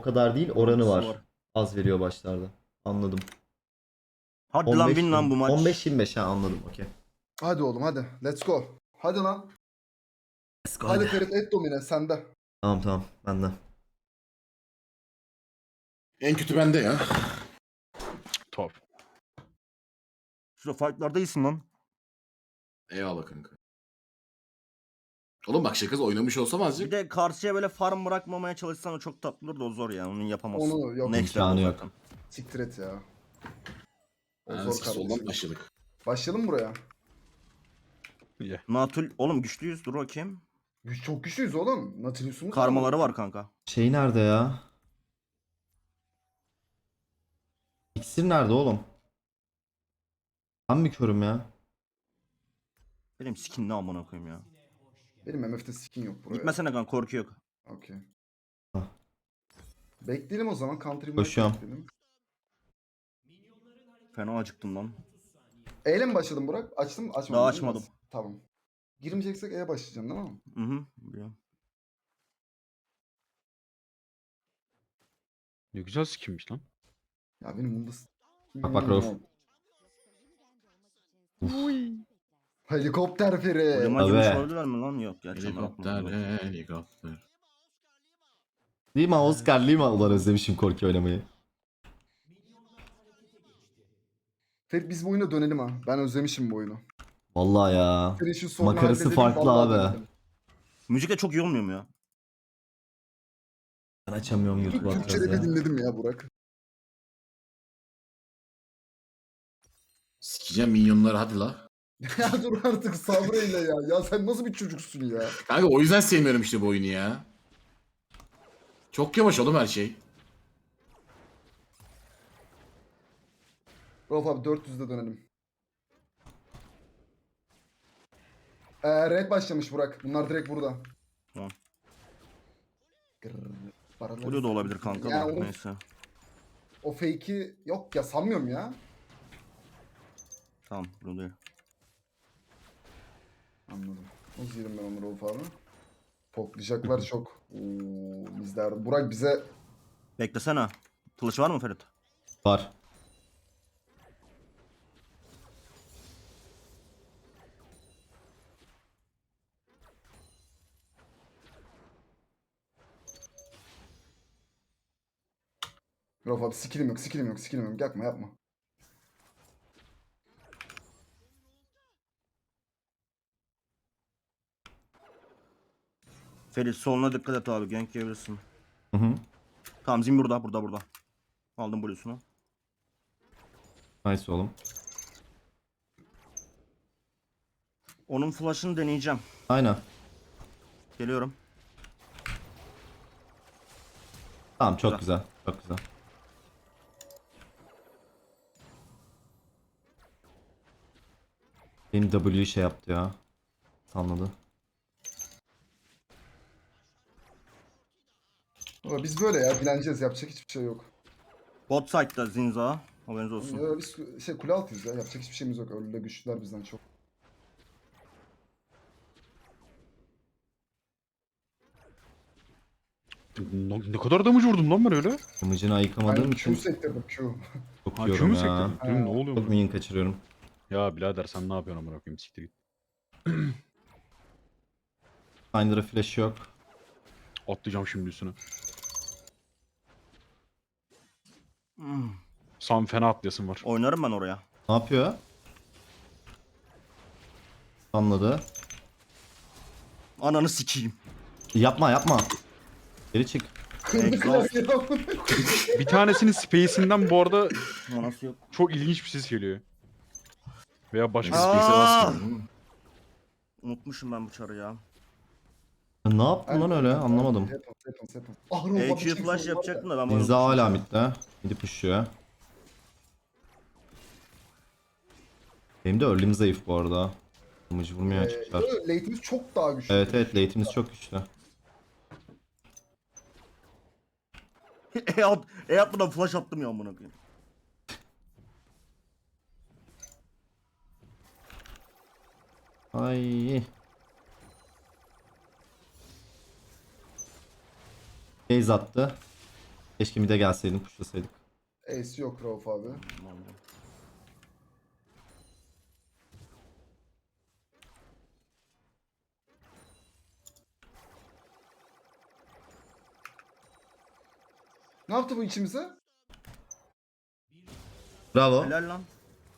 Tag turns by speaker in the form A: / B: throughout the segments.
A: kadar değil, oranı
B: Var.
A: var. Az veriyor başlarda. Anladım.
B: Hadi lan win lan bu maç.
A: 15-25 ha, anladım, okey.
C: Hadi oğlum hadi. Let's go. Hadi lan.
A: Let's go,
C: Hadi
A: hadi.
C: Ferit et domine sende.
A: Tamam ben de.
D: En kötü bende ya.
E: Top.
B: Şurada fightlarda iyisin lan.
D: Eyvallah kanka. Oğlum bak şakası oynamış olsam
B: Bir
D: azıcık.
B: de karşıya böyle farm bırakmamaya çalışsan o çok tatlı olur da o zor ya. Onu yapamazsın.
C: Onu yok.
B: Next
A: İmkanı
B: level
A: yok.
B: zaten.
C: Siktir et ya. O
D: Yani
C: zor
D: soldan
C: kardeşim.
D: başladık.
C: Başlayalım buraya.
E: İyi.
B: Natul oğlum güçlüyüz, dur bakayım.
C: Çok güçlüyüz oğlum. Nautilus'umuz
B: Karmaları var kanka.
A: Şey nerede ya? İksir nerede oğlum? Ben mi körüm ya?
B: Benim skin ne amına koyayım ya.
C: Benim MF'de skin yok buraya.
B: Gitmesene kanka, korku yok.
C: Okey.
A: Hah.
C: Bekleyelim o zaman. Country
A: Koşuyorum.
C: bekleyelim.
B: Fena acıktım lan.
C: E'yle mi başladın Burak? Açtın mı? Açmadın.
B: Daha
C: değil mi?
B: açmadım.
C: Tamam. Girmeyeceksek E'ye başlayacaksın değil mi?
B: Hı hı. Biliyorum.
E: Ne güzel skinmiş lan.
C: Ya benim bunda...
A: Bak Rauf.
C: Helikopter Feri.
B: Ulema gibi
A: Tabii.
B: olabilirler mi lan? Yok gerçi.
D: Helikopter, helikopter.
A: Lima, Oscar Lima. Ulan özlemişim korku oynamayı.
C: Ferit biz bu oyuna dönelim ha. Ben özlemişim bu oyunu.
A: Vallahi ya.
C: Ferit şu sorunu
A: Makarası
C: halledelim,
A: farklı
C: vallahi
A: abi.
C: dönelim.
B: Müzik de çok iyi olmuyor mu ya?
A: Ben açamıyorum YouTube'u
C: Türkçe
A: atacağız
C: rap'i
A: ya.
C: dinledim ya Burak.
D: Sikeceğim minyonları hadi la.
C: Ya dur artık sabreyle ya. Ya sen nasıl bir çocuksun ya?
D: Kanka o yüzden sevmiyorum işte bu oyunu ya. Çok yavaş oğlum her şey.
C: Rauf abi 400'de dönelim. Red başlamış Burak. Bunlar direkt burada.
B: Tamam.
C: Grrr, paraları
B: Blue da olabilir kanka
C: Yani
B: da
C: onun-
B: neyse.
C: O fake'i yok ya sanmıyorum ya.
B: Tamam Blue değil.
C: Anladım. Nasıl yerim ben onu Rauf abi? Poklayacaklar çok. Oo, bizler. Burak bize
B: Beklesene. Kılıç var mı Ferit?
A: Var.
C: Rauf abi skillim yok, skillim yok, skillim yok. Yapma yapma.
B: Ferit soluna dikkat et abi, gank yiyebilirsin.
A: Hı hı.
B: Tamam Zin burada. Aldım Blue'sunu.
A: Nice oğlum.
B: Onun flash'ını deneyeceğim.
A: Aynen.
B: Geliyorum.
A: Tamam, çok güzel. Çok güzel. Benim W şey yaptı ya. Sanladı.
C: Ama biz böyle ya dileneceğiz. Yapacak hiçbir şey yok.
B: Bot side'da Zinza. Haberiniz olsun.
C: Ya biz şey kule altıyız ya. Yapacak hiçbir şeyimiz yok. Öyle güçlüler bizden çok.
E: Ne kadar damage vurdum lan ben öyle.
A: Kımıcını ayıkamadığım
C: Ben
A: için
C: Q sektirdim Q.
A: çok
E: Ha
A: yiyorum
E: kümü
A: ya.
E: sektirdim. Dedim ne oluyor
A: Çok
E: mu?
A: minyon kaçırıyorum.
E: Ya birader sen ne yapıyorsun amına koyayım siktir git.
A: Finder'a flash yok.
E: Atlayacağım şimdi üstüne.
B: Hmm.
E: Sam fena atlayasın var.
B: Oynarım ben oraya.
A: Ne yapıyor? Anladı.
B: Ananı sikeyim.
A: Yapma. Geri çık.
C: Kırdı
B: Exhaust.
C: klavyeyi.
E: Bir tanesinin space'inden bu arada
B: Manası yok.
E: çok ilginç bir ses geliyor. Veya başka
B: Aa!
E: bir
D: Space'e basmıyorum.
B: Unutmuşum ben bu çarı ya.
A: Ne yaptın lan öyle? Anlamadım.
C: Happens. Ah Rauf abi
B: EQ
C: çek
B: flash
C: sorun var
B: yapacaktım
C: ya.
B: da ben bunu
A: Zinza
B: unutmuşum.
A: hala midde. Midi pushuyor. Benim de early'm zayıf bu arada. Kımıcı vurmuyor açıkçası.
C: Late'imiz çok daha güçlü.
A: Evet late'imiz çok güçlü.
B: E atmadan flash attım ya amına koyayım.
A: Ay. Base attı. Keşke mid'e gelseydim, pushlasaydık.
C: Ace yok Rauf abi. Ne yaptı bu içimize?
A: Bravo.
B: Helal lan.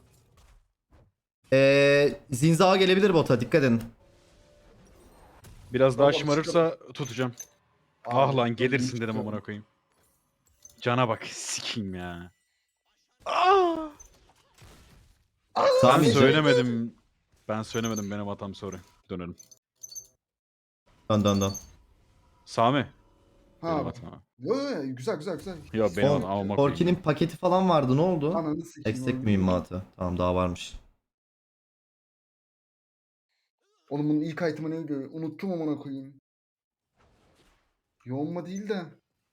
A: Zinzao gelebilir bota, dikkat edin.
E: Biraz daha
C: Baba,
E: şımarırsa tutacağım. Ah
C: Abi,
E: lan gelirsin
C: öldüm,
E: dedim
C: çıkıyorum.
E: amına koyayım. Cana bak sikeyim ya. Ah! Ben
A: Sami
E: söylemedim. Ben söylemedim, benim hatam, sorry. Dönelim.
A: dön.
E: Sami.
C: Ha
E: Benim
C: abi.
E: hatam.
C: Yo, yo, güzel güzel güzel.
E: Ya benim hatam amına koyayım.
A: Korki'nin paketi falan vardı, ne oldu?
C: Ananı sikeyim.
A: Eksik
C: oğlum.
A: mühimmatı. Tamam, daha varmış.
C: Oğlum bunun ilk item'ı neydi? Unuttum amına koyayım. Yoğunma değil de.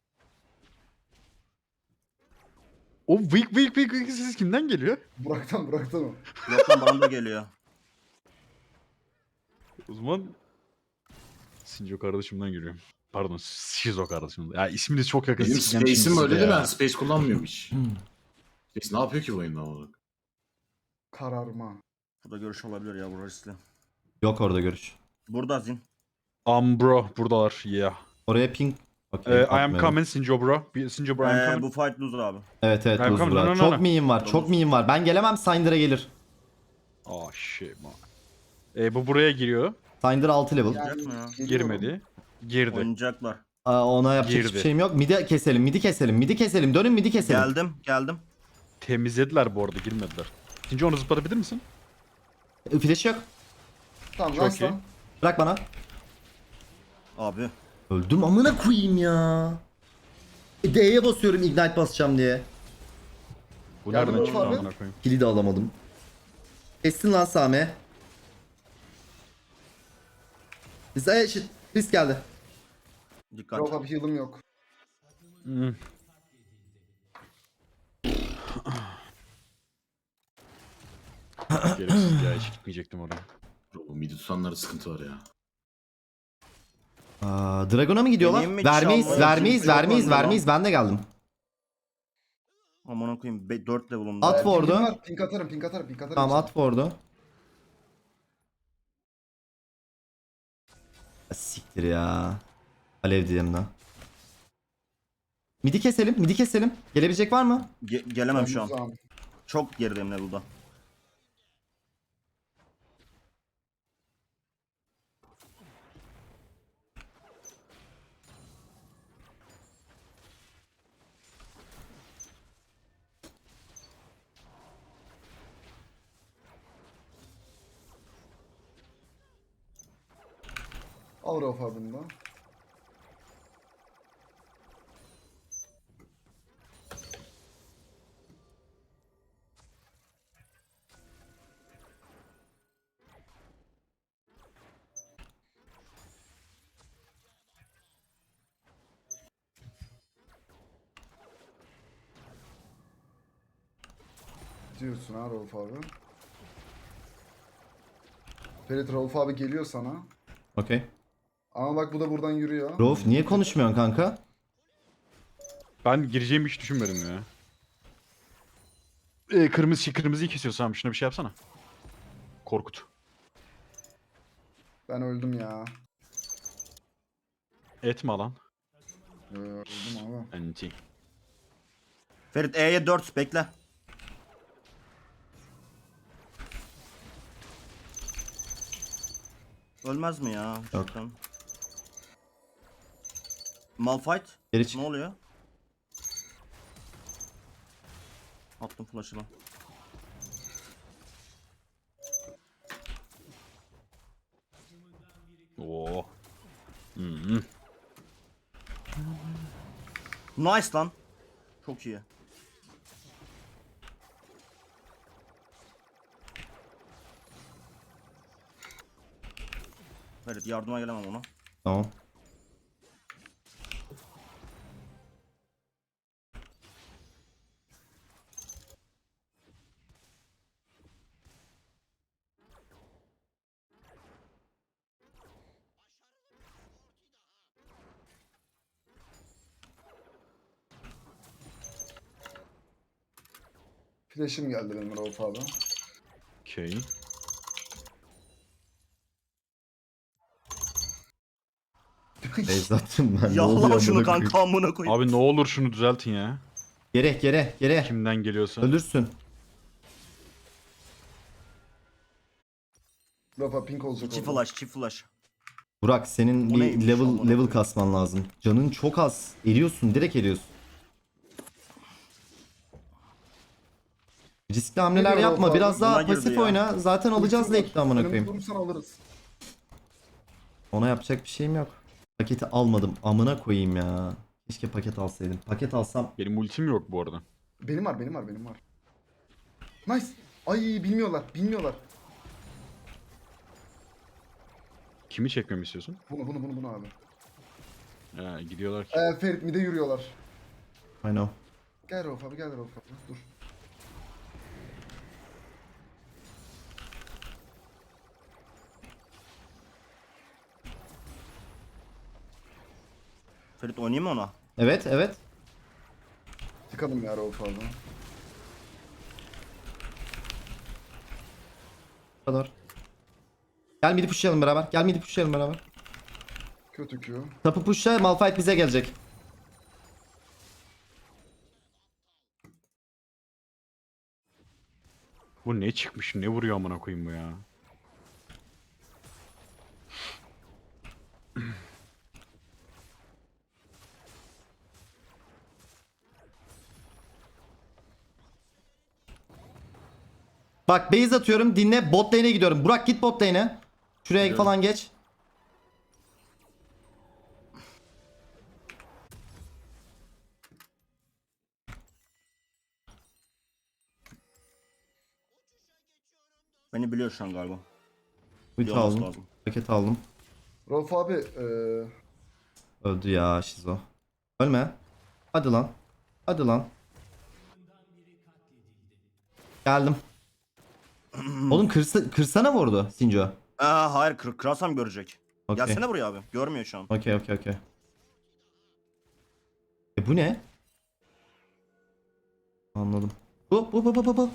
E: O vıyk ses kimden geliyor?
C: Burak'tan o.
B: Yok lan bana da geliyor.
E: O zaman Sinjo kardeşimden geliyor. Pardon, Shizo kardeşimden. Ya isminiz çok yakın.
D: Benim
E: sikeceğim şimdi
D: Space'im
E: sizi
D: öyle değil
E: ya.
D: mi? Space kullanmıyorum hiç. Space ne yapıyor ki bu oyunda olarak?
C: Kararma.
B: Burada görüş olabilir ya, bu riskli.
A: Yok orada görüş.
B: Burada Zin.
E: Bro buradalar. Yeah.
A: Oraya ping.
E: I
A: Okay,
E: am
A: bakmayalım.
E: coming Sinjo bro. Sinjo bro, I am coming.
B: Bu fight loser abi.
A: Evet
E: I'm
A: Luz
E: coming,
A: bura.
E: no.
A: Çok miyim var, çok miyim var. Ben gelemem, Syndra'a gelir.
E: Oh shit man. Bu buraya giriyor.
A: Syndra 6 level.
C: Yani
B: Yapma ya.
C: geliyorum.
E: Girmedi. Girdi.
B: Oynayacaklar.
A: Ona yapacak
E: Girdi.
A: hiçbir şeyim yok. Midi keselim. Midi keselim. Dönün midi keselim.
B: Geldim.
E: Temizlediler bu arada, girmediler. Sinjo onu zıplatabilir misin?
A: Flash yok.
C: Tamam
E: Çok
C: nice
E: iyi.
C: lan.
A: Bırak bana.
B: Abi.
A: Öldüm amına koyayım ya. D'ye basıyorum ignite basacağım diye.
E: Bu
C: Yardım
E: nereden
C: et
E: çıktı
C: abi.
E: amına koyayım?
A: Kili de alamadım. Kessin lan Sami. Bize eşit. Risk geldi.
B: Dikkat.
C: Rauf abi heal'ım yok.
E: Hmm. Gereksiz ya, hiç gitmeyecektim oraya.
D: Bu midi tutanlarda sıkıntı var ya.
A: Dragon'a mı gidiyorlar?
B: Deneyim mi?
A: Vermeyiz,
B: Çalmayı
A: vermeyiz,
B: kimse yok
A: vermeyiz,
B: oyunda
A: vermeyiz. Ben de geldim.
B: Aman koyayım 4 level'ımda.
A: At
B: ya.
A: for- Ward'u.
C: Pingim var. Pink atarım.
A: Tamam, at ward'u. Siktir ya. Alev diyeyim lan. Midi keselim. Gelebilecek var mı?
B: Gelemem şu an.
C: Uzağım.
B: Çok gerideyim level'da.
C: Al Rauf abini de. Diyorsun ha Rauf abi. Ferit Rauf abi geliyor sana.
A: Okey.
C: Ama bak bu da buradan yürüyor.
A: Rauf niye konuşmuyorsun kanka?
E: Ben gireceğimi hiç düşünmedim ya. Kırmızıyı kesiyorsam şuna bir şey yapsana. Korkut.
C: Ben öldüm ya.
E: Etme lan.
C: Öldüm abi.
E: Anti.
B: Ferit E'ye 4 bekle. Ölmez mi ya?
A: Yok.
B: Cidden. Malphite.
A: Geri çık.
B: Ne oluyor? Attım flash'ı lan.
E: Oo. Hmm.
B: Nice lan. Çok iyi. Ferit yardıma gelemem ona.
A: Tamam.
C: Flash'im geldi benim Rauf abi.
E: Okey.
A: Beyz attım ben. Ne
B: Yallah
A: oluyor
B: şunu
A: amına koyayım?
B: kanka amına koyayım.
E: Abi ne olur şunu düzeltin ya.
A: Gere.
E: Kimden geliyorsa.
A: Ölürsün.
C: Rauf abi pink olacak
B: Çift
C: orada.
B: flash, çift flash.
A: Burak senin
B: O
A: bir
B: neymiş
A: level
B: amına
A: level
B: koyayım?
A: kasman lazım. Canın çok az. Eriyorsun, direkt eriyorsun. Riskli hamleler
C: Geliyor
A: yapma.
C: Rauf abi.
A: Biraz daha
B: Buna girdi
A: pasif
B: ya.
A: oyna. Zaten alacağız
C: Ultim var.
A: late'de amına
C: Önümüzü
A: koyayım.
C: vurursan alırız.
A: Ona yapacak bir şeyim yok. Paketi almadım. Amına koyayım ya. Keşke paket alsaydım. Paket alsam
E: Benim ultim yok bu arada.
C: Benim var. Nice. Ay bilmiyorlar.
E: Kimi çekmemi istiyorsun?
C: Bunu abi.
E: Gidiyorlar ki.
C: Ferit mid'e yürüyorlar.
A: I know.
C: Gel Rauf abi. Dur.
B: Ferit oynayayım mı ona?
A: Evet.
C: Tıkalım ya Rauf abi.
A: Bu kadar. Gel midi pushlayalım beraber.
C: Kötü Q.
A: Tapı pushla, Malphite bize gelecek.
E: Bu ne çıkmış? Ne vuruyor amına koyayım bu ya?
A: Bak base atıyorum, dinle, bot lane'e gidiyorum. Burak git bot lane'e. Şuraya
E: Gidiyorum.
A: falan geç.
B: Beni biliyor şu an galiba.
A: Ulti
B: Biliyor olması
A: aldım.
B: lazım.
A: Paket aldım.
C: Rauf abi
A: Öldü ya Şizo. Ölme. Hadi lan. Geldim. Oğlum kırsana vurdu Sinjo.
B: Hayır kırarsam görecek.
A: Okey.
B: Gelsene buraya abi. Görmüyor şu an.
A: Okey. Bu ne? Anladım. Bu.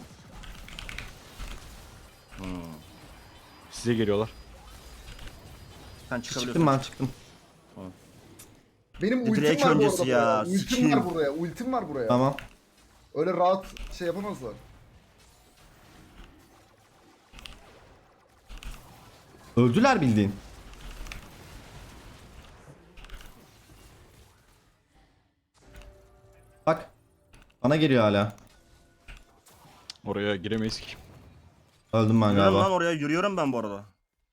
E: Size geliyorlar.
B: Sen çıkabiliyorsun.
A: Çıktım ben çıktım.
C: benim
B: Bir
C: ultim
B: direkt
C: var bu
B: öncesi
C: arada.
B: ya,
C: Ultim
B: sikeyim.
C: var buraya. Ultim var buraya.
A: Tamam.
C: Öyle rahat şey yapamazlar.
A: Öldüler bildiğin. Bak. Bana geliyor hala.
E: Oraya giremeyiz ki.
A: Öldüm ben
B: Yürüyorum lan
A: galiba.
B: oraya. Yürüyorum ben bu arada.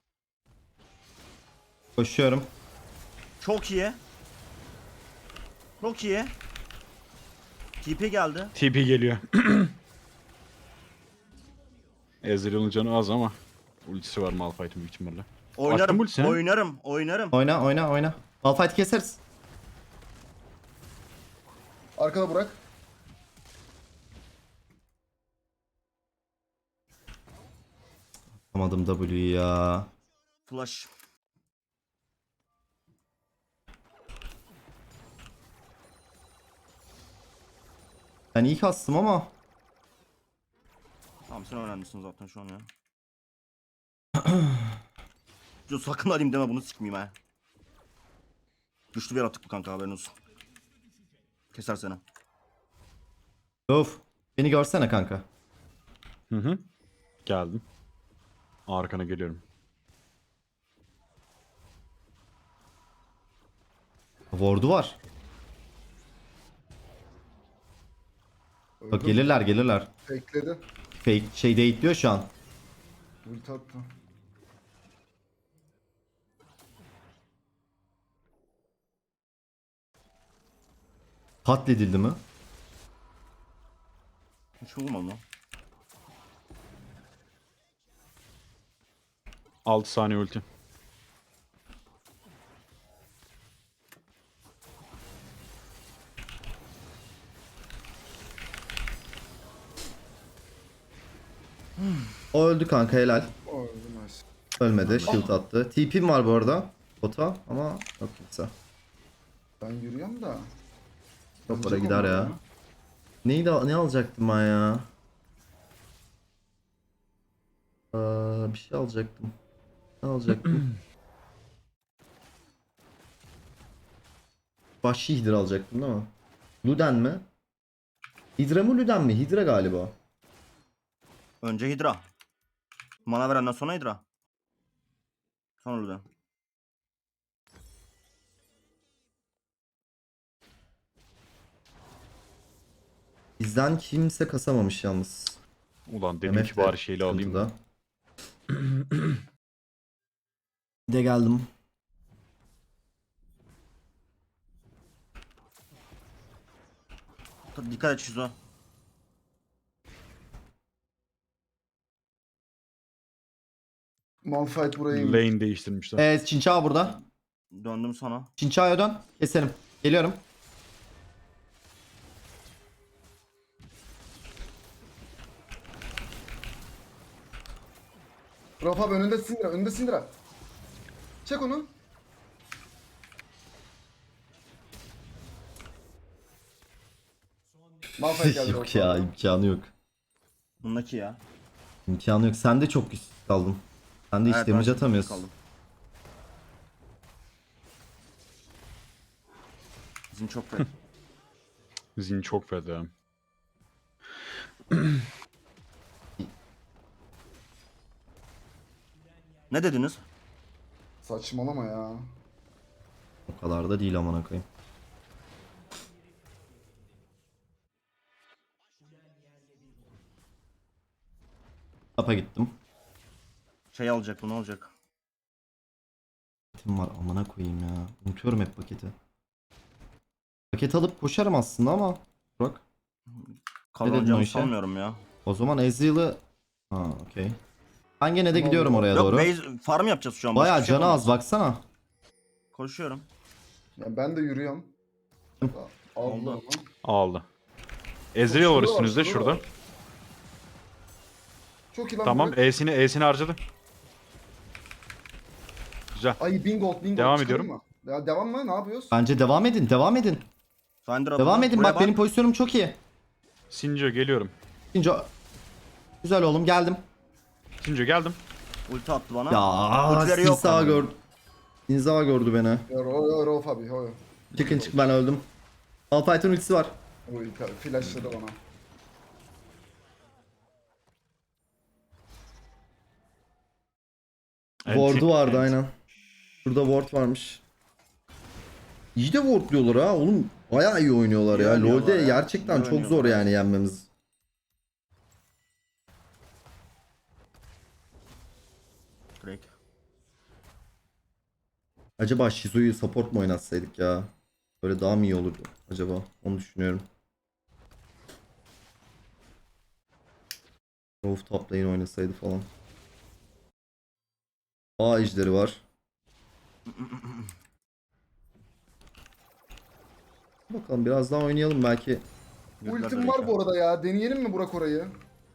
A: Koşuyorum.
B: Çok iyi. Çok iyi. TP geldi.
E: TP geliyor. Ezreal'ın canı az ama ultisi var Malphite'in büyük ihtimalle.
B: Oynarım.
E: ulti sen.
B: Oynarım.
A: Oyna. Malphite keseriz.
C: Arkada Burak.
A: Atamadım W'yu ya.
B: Flash.
A: Ben iyi kastım ama.
B: Tamam sen öğrenmişsin zaten şu an ya. Yo, sakın alayım deme bunu sikmeyeyim ha. Güçlü bir yaratık bu kanka haberin olsun. Keser seni.
A: Of. Beni görsene kanka.
E: Hı. Geldim. Arkana geliyorum.
A: Ward'u var. Bak
C: Öldüm.
A: gelirler.
C: Bekledi.
A: Fake şey date'liyor şu an.
C: Ulti attı.
A: Katledildi mi?
B: Hiç vurmam lan.
E: 6 saniye ulti.
A: O öldü kanka, helal.
C: O öldü nice.
A: Ölmedi. Shield attı. TP'm var bu arada. Bota ama yok kimse.
C: Ben yürüyorum da.
A: Çok para
C: Alacak
A: gider
C: onlar
A: ya. Ne alacaktım ben ya? Bir şey alacaktım. Ne alacaktım? Vahşi Hidra alacaktım değil mi? Luden mi? Hidra mı Luden mi? Hidra galiba.
B: Önce Hidra. Mana verenden sonra Hidra. Sonra Luden.
A: Bizden kimse kasamamış yalnız.
E: Ulan dedim
A: MF
E: ki
A: de
E: bari şeyle alayım.
A: sıkıntıda. Bir de geldim.
B: Dikkat et Şizo.
C: Malphite buraya inmiş.
E: Lane değiştirmişler.
A: Çinçao burada.
B: Döndüm sana.
A: Çinçao'ya dön. Keselim. Geliyorum.
C: Rafa abi önünde Syndra. Önünde Syndra. Çek onu. Malphite geldi.
A: Yok
C: Rafa
A: ya,
C: abi.
A: imkanı yok.
B: Bundaki ya.
A: İmkanı yok. Sen de çok güçsüz kaldın. Sen de hiç
B: Evet,
A: damage
B: ben
A: atamıyorsun.
B: kaldım. Bizim çok fena.
E: Zin çok feda.
B: Ne dediniz?
C: Saçmalama ya.
A: O kadar da değil amına koyayım. Tapa gittim.
B: Şey alacak, bunu alacak.
A: Paketim var amına koyayım ya. Unutuyorum hep paketi. Paket alıp koşarım aslında ama. Burak. dedin o
B: Kazanacağımı
A: işe?
B: sanmıyorum ya.
A: O zaman Ezreal'ı... Ha okey. Ben gene de gidiyorum oraya
B: Yok,
A: doğru.
B: base farm yapacağız şu an. başka
A: Bayağı
B: bir şey
A: canı
B: yapamaz.
A: az baksana.
B: Koşuyorum.
C: Ya ben de yürüyorum. Aldı.
B: Oldu.
E: Aldı. Ezreal var
C: Şurada var,
E: üstünüzde
C: şurada
E: şurada.
C: var. Çok iyi lan.
E: Tamam
C: Burak.
E: E'sini harcadı. Güzel.
C: Ay bingo.
E: Devam
C: Çıkalım
E: ediyorum.
C: mı? Ya devam mı? Ne yapıyoruz?
A: Bence devam edin. Devam edin.
B: Syndra
A: Devam
B: burada.
A: edin.
B: Buraya
A: Bak benim pozisyonum çok iyi.
E: Sinco geliyorum.
A: İkinci... Güzel oğlum geldim.
E: Sinco geldim.
B: Ulti attı bana.
A: Ya
B: Ultileri yok
A: Sinza
B: ama.
A: gördü. Sinza gördü beni.
C: Ya Rafa abi. Yo.
A: Çıkın çık ben öldüm. Malphite'ın ultisi var.
C: O flashladı bana.
A: Ward'u vardı
E: Anti-
A: aynen. Şurada ward varmış. İyi de wardluyorlar ha oğlum. Bayağı iyi oynuyorlar
B: İyi
A: ya.
B: oynuyorlar
A: LoL'de
B: ya.
A: gerçekten
B: İyi
A: çok zor
B: oynuyorlar.
A: yani yenmemiz.
B: Drake.
A: Acaba Shizu'yu support mu oynatsaydık ya? Böyle daha mı iyi olurdu acaba? Onu düşünüyorum. Rauf top lane oynasaydı falan. A ejderi var. Bakalım biraz daha oynayalım belki.
C: Ultim var bu arada ya. Deneyelim mi Burak orayı?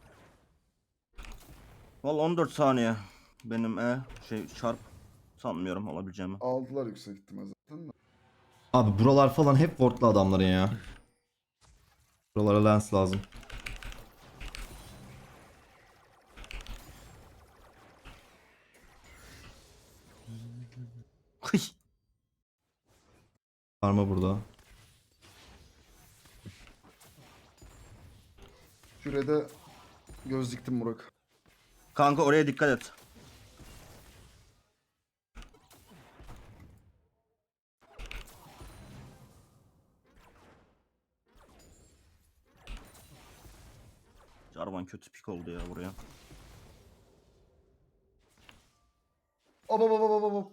B: Valla 14 saniye. Benim çarp. Sanmıyorum alabileceğimi.
C: Aldılar yüksek ihtimal zaten de.
A: Abi buralar falan hep wardlu adamların ya. Buralara lens lazım.
B: Hıy.
A: Karma burada.
C: Şurada göz diktim Burak.
B: Kanka oraya dikkat et. Jarvan kötü pik oldu ya buraya.
C: Hop.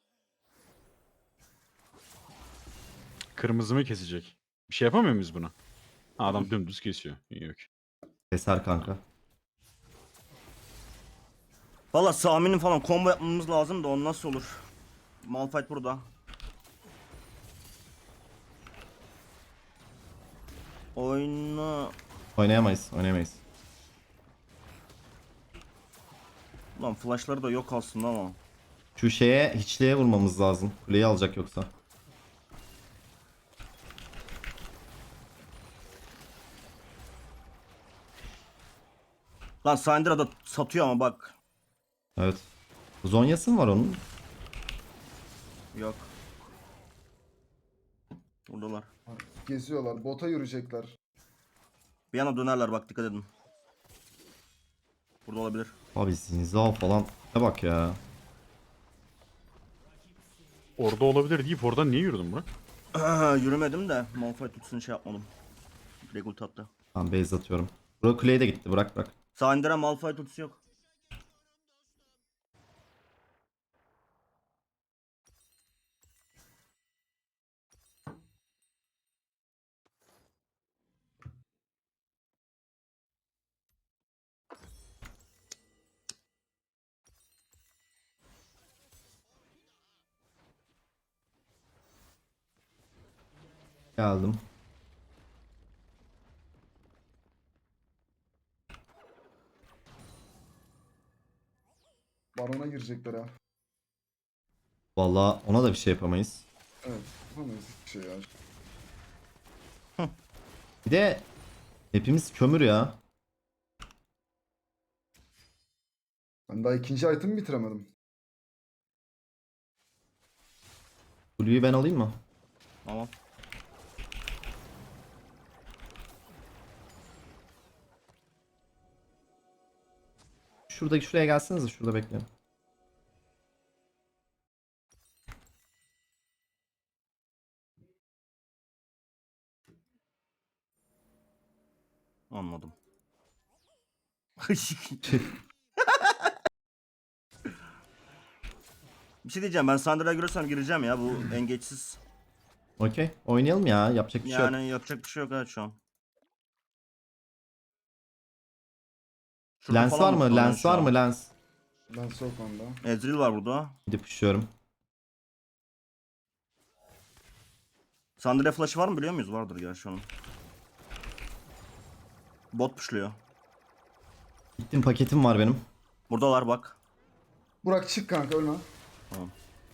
E: Kırmızı mı kesecek? Bir şey yapamıyor muyuz buna? Ha, adam dümdüz kesiyor. İyi yok.
A: Keser kanka.
B: Valla Sami'nin falan combo yapmamız lazım da o nasıl olur? Malphite burada. Oyunu...
A: Oynayamayız.
B: Lan flashları da yok aslında ama.
A: Şu şeye hiçliğe vurmamız lazım. Kuleyi alacak yoksa.
B: Lan Syndra da satıyor ama bak.
A: Evet. Zonyası mı var onun?
B: Yok. Buradalar.
C: Geziyorlar. Bota yürüyecekler.
B: Bir yana dönerler bak dikkat edin. Burada olabilir.
A: Abi Zinzao falan. Ne bak ya.
E: Orada olabilir deyip oradan niye yürüdün Burak?
B: Yürümedim de Malphite tutsun şey yapmadım. Direkt ulti attı.
A: Ben base atıyorum. Bro kuleye de gitti. Bırak bırak.
B: Sağ indiren Malphite ultisi yok.
A: Geldim.
C: Barona girecekler ha.
A: Vallahi ona da bir şey yapamayız.
C: Evet. Yapamayız hiçbir şey ya.
A: Bir de hepimiz kömür ya.
C: Ben daha ikinci item'ı bitiremedim.
A: Blue'yu ben alayım mı?
B: Tamam.
A: Şuraya gelsenize. Şurada bekleyin.
B: Anladım. Bir şey diyeceğim, ben Syndra'ya görürsem gireceğim ya, bu engeçsiz.
A: Okey. Oynayalım ya. Yapacak bir şey yok.
B: Yani yapacak bir şey yok evet şu an. Şurada
A: Lens
B: falan
A: var mı?
B: muhtemelen
A: Lens
B: şu
A: var
B: an.
A: mı? Lens.
C: Ben sok onda.
B: Ezreal var burada.
A: Gidip pushluyorum.
B: Syndra flash'ı var mı biliyor muyuz? Vardır gerçi onun. Bot pushluyor.
A: Gittim paketim var benim.
B: Buradalar bak.
C: Burak çık kanka ölme.
B: Tamam.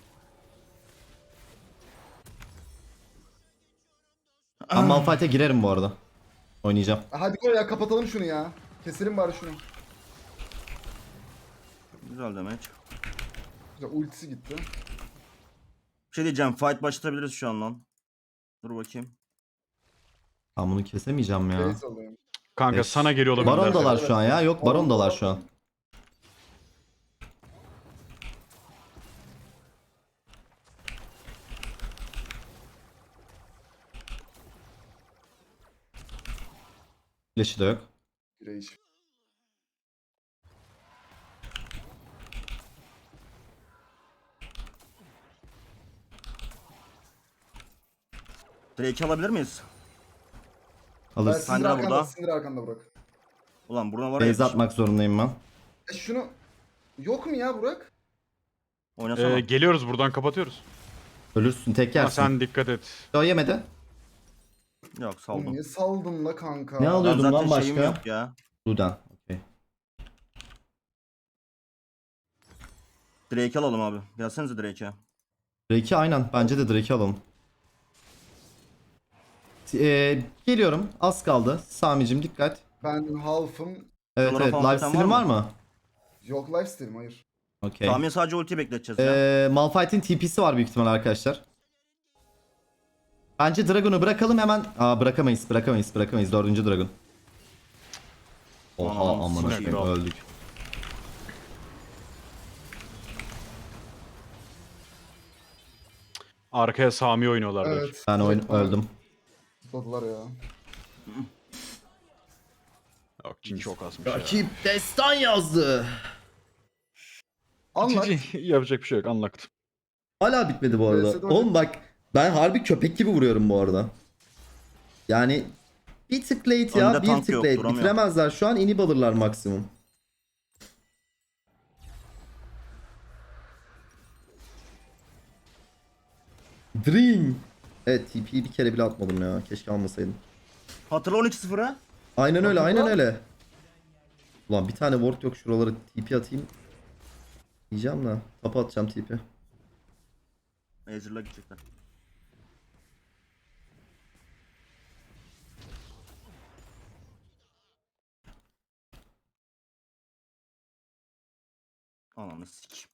A: Ben Malphite'e girerim bu arada. Oynayacağım.
C: Hadi koy ya kapatalım şunu ya. Keselim bari şunu.
B: Güzel demek.
C: Güzel ultisi gitti.
B: Bir şey diyeceğim, fight başlatabiliriz şu an lan. Dur bakayım.
A: Ben bunu kesemeyeceğim ya.
C: Base alayım.
E: Kanka
A: Beş.
E: sana geliyor olabilirler.
A: Barondalar şu an ya. Yok barondalar şu an. Flash'ı da yok.
C: Rage.
B: Drake'i alabilir miyiz?
C: Ben
A: Alırız.
C: sinir
B: Syndra
C: arkanda,
B: burada.
C: sinir arkanda Burak.
B: Ulan buna var ya.
A: Base atmak zorundayım ben.
C: Şunu... Yok mu ya Burak?
B: Oynasana.
E: Geliyoruz buradan kapatıyoruz.
A: Ölürsün tek
E: Ama
A: yersin.
E: sen dikkat et.
A: O yemedi.
B: Yok
C: Oğlum
B: saldım.
C: niye saldın la kanka?
A: Ne
B: Ben
A: alıyordum
B: zaten
A: lan
B: şeyim
A: başka?
B: yok ya.
A: Ludan. Okey.
B: Drake'i alalım abi. Gelsenize Drake'e.
A: Drake'i aynen. Bence de Drake'i alalım. Geliyorum. Az kaldı. Sami'cim dikkat.
C: Ben half'ım.
A: Evet
B: Sonra
A: evet.
B: falan
A: Live
B: biten
A: stream
B: var
A: var
B: mı?
A: mı?
C: Yok lifesteal'im hayır.
A: Okey.
B: Tahmin sadece ulti bekleteceğiz ya.
A: Malphite'in TP'si var büyük ihtimal arkadaşlar. Bence Dragon'u bırakalım hemen. Bırakamayız. Dördüncü Dragon. Oha
B: Anam,
A: amına
B: sikeyim.
A: koyayım öldük.
E: Arkaya Sami oynuyorlar belki.
C: Evet.
A: Ben
C: direkt bana
A: öldüm.
C: Tutladılar ya.
E: Yok Jhin çok asmış ya.
A: Rakip destan yazdı.
C: Anlat.
E: Yapacak bir şey yok anlattım.
A: Hala bitmedi bu arada.
C: VS'de
A: Oğlum bak ben harbi köpek gibi vuruyorum bu arada. Yani bir tık late ya,
B: Önde
A: bir
B: tank
A: tık
B: yok,
A: late.
B: duramıyor.
A: Bitiremezler şu an, inhib alırlar maksimum. Dream. Evet TP'yi bir kere bile atmadım ya. Keşke almasaydım.
B: Hatırla 12-0'ı.
A: Aynen öyle, aynen
C: Hatırla.
A: öyle. Ulan bir tane ward yok, şuralara TP atayım. Diyeceğim de tapa atacağım TP.
B: Ezreal'a gidecekler. Ananı sik.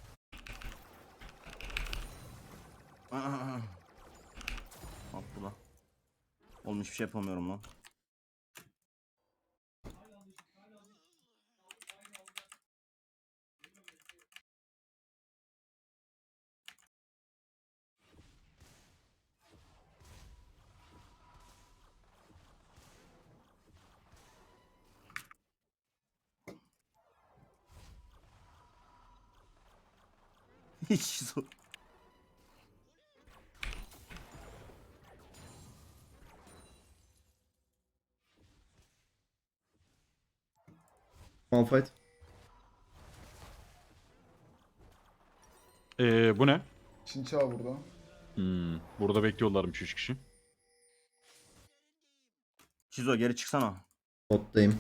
B: Bak bu da. Oğlum hiçbir şey yapamıyorum lan. Hiç zor.
A: Malphite.
E: Bu ne?
C: Çinçağı burada.
E: Burada bekliyorlarmış 3 kişi.
B: Şizo geri çıksana.
A: Bottayım.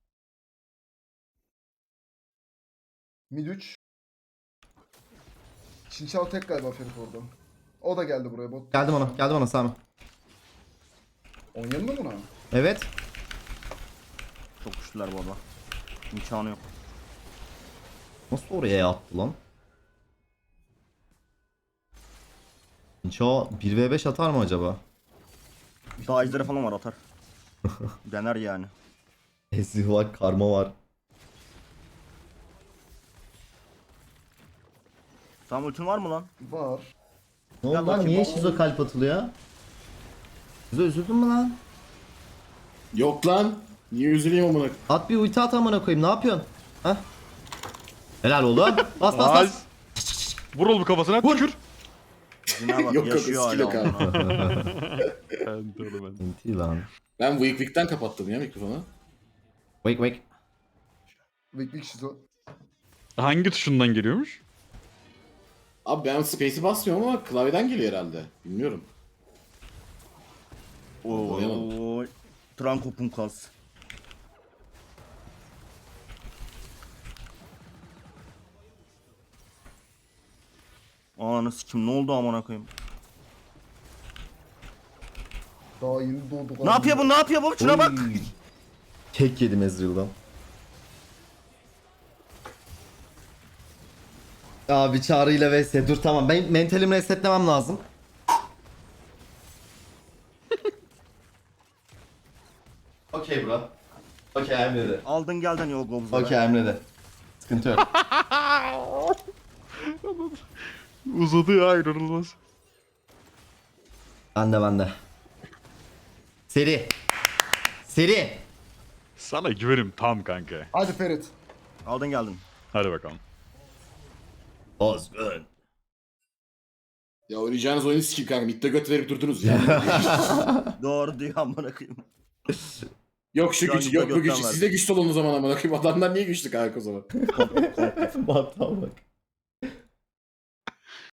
C: Mid 3. Çinçao tek galiba Ferit orada. O da geldi buraya bot.
A: Geldim ona Sami.
C: Oynayalım mı buna?
A: Evet.
B: Çok güçlüler bu arada. İmkanı yok.
A: Nasıl oraya attı lan? Çağ 1v5 atar mı acaba?
B: Daha ejderi falan var atar. Dener yani.
A: Ezil var, karma var.
B: Tam ultin var mı lan?
C: Var.
A: Ne oldu lan?
B: bakayım,
A: Niye
B: bak.
A: Şizo kalp atılıyor? Şizo üzüldün mü lan?
D: Yok lan. Niye üzüleyim amına?
A: At bir ulti at amına koyayım. Ne yapıyorsun? Hah? Helal oldu. Bas bas
E: Nice.
A: bas.
E: Vur oğlum kafasına tükür.
B: Zina bak
D: Yok, yok,
B: yaşıyor
D: skill
B: hala.
D: yok abi.
B: amına.
E: Ben de oğlum ben.
A: Ulti lan.
D: Ben Weak Weak'ten kapattım ya mikrofonu.
A: Wake wake.
C: Beklik şizo.
E: Hangi tuşundan geliyormuş?
D: Abi ben Space'i basmıyorum ama klavyeden geliyor herhalde. Bilmiyorum.
B: Oy. Tranko Punkas. Ananı sikim ne oldu amına koyayım?
C: Daha yeni doğdu.
B: Ne yapıyor bu? Ne yapıyor bu? Şuna bak.
A: Oy. Kek yedim Ezreal'dan. Abi çağrıyla vs. Dur tamam. Ben mentalimi resetlemem lazım. Okey bro. Okey I'm ready.
B: Aldın geldin yol gobzlara.
A: Okey I'm ready. Sıkıntı yok.
E: Uzadı ya inanılmaz.
A: Bende. Seri. Seri.
E: Sana güvenim tam kanka.
C: Hadi Ferit.
B: Aldın geldin.
E: Hadi bakalım.
A: Ozgun.
D: Ya oynayacağınız oyunu sikeyim kanka. Mid'de göt verip durdunuz ya.
B: Doğru diyor amına koyayım.
D: Yok şu
B: Şu an
D: güç, yok bu
B: gökten
D: güç.
B: var.
D: Siz de güçlü olun o zaman amına koyayım. Adamlar niye güçlü kanka o zaman?
A: Bata bak.